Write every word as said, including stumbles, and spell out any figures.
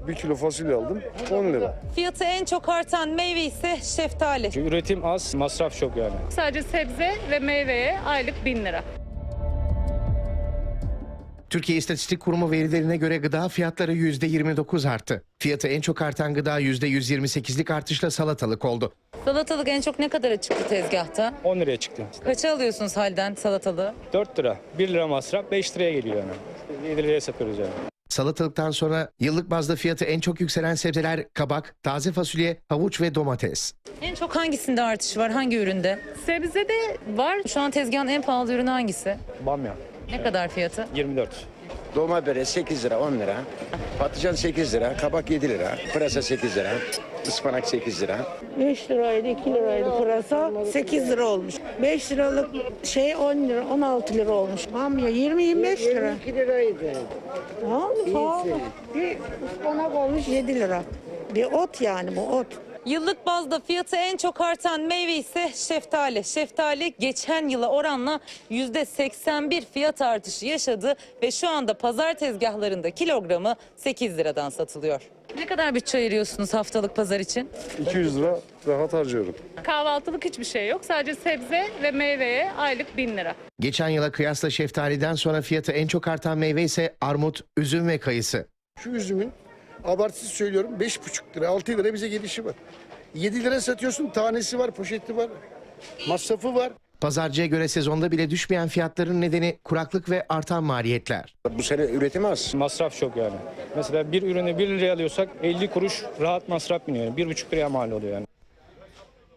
Bir kilo fasulye aldım on lira. Fiyatı en çok artan meyve ise şeftali. Çünkü üretim az, masraf çok yani. Sadece sebze ve meyveye aylık bin lira. Türkiye İstatistik Kurumu verilerine göre gıda fiyatları yüzde yirmi dokuz arttı. Fiyatı en çok artan gıda yüzde yüz yirmi sekizlik artışla salatalık oldu. Salatalık en çok ne kadara çıktı tezgahta? on liraya çıktı. Kaça alıyorsunuz halden salatalığı? dört lira. bir lira masraf, beş liraya geliyor yani. yedi liraya satıyoruz yani. Salatalıktan sonra yıllık bazda fiyatı en çok yükselen sebzeler kabak, taze fasulye, havuç ve domates. En çok hangisinde artış var? Hangi üründe? Sebzede var. Şu an tezgahın en pahalı ürünü hangisi? Bamya Ne kadar fiyatı? yirmi dört. Dolma böreği sekiz lira on lira. Patlıcan sekiz lira, kabak yedi lira, pırasa sekiz lira, ıspanak sekiz lira. beş liraydı, iki liraydı pırasa, sekiz lira olmuş. beş liralık şey on lira, on altı lira olmuş. Bamya yirmi yirmi beş lira. yirmi iki liraydı. Pahalı, pahalı. Bir ıspanak olmuş yedi lira. Bir ot yani bu ot. Yıllık bazda fiyatı en çok artan meyve ise şeftali. Şeftali geçen yıla oranla yüzde seksen bir fiyat artışı yaşadı ve şu anda pazar tezgahlarında kilogramı sekiz liradan satılıyor. Ne kadar bütçe ayırıyorsunuz haftalık pazar için? iki yüz lira rahat harcıyorum. Kahvaltılık hiçbir şey yok. Sadece sebze ve meyveye aylık bin lira. Geçen yıla kıyasla şeftaliden sonra fiyatı en çok artan meyve ise armut, üzüm ve kayısı. Şu üzümün abartısız söylüyorum beş buçuk lira altı lira bize gelişi var. yedi lira satıyorsun, tanesi var, poşeti var, masrafı var. Pazarcıya göre sezonda bile düşmeyen fiyatların nedeni kuraklık ve artan maliyetler. Bu sene üretim az. Masraf çok yani. Mesela bir ürünü bir liraya alıyorsak elli kuruş rahat masraf biniyor. Yani. bir buçuk liraya mal oluyor yani.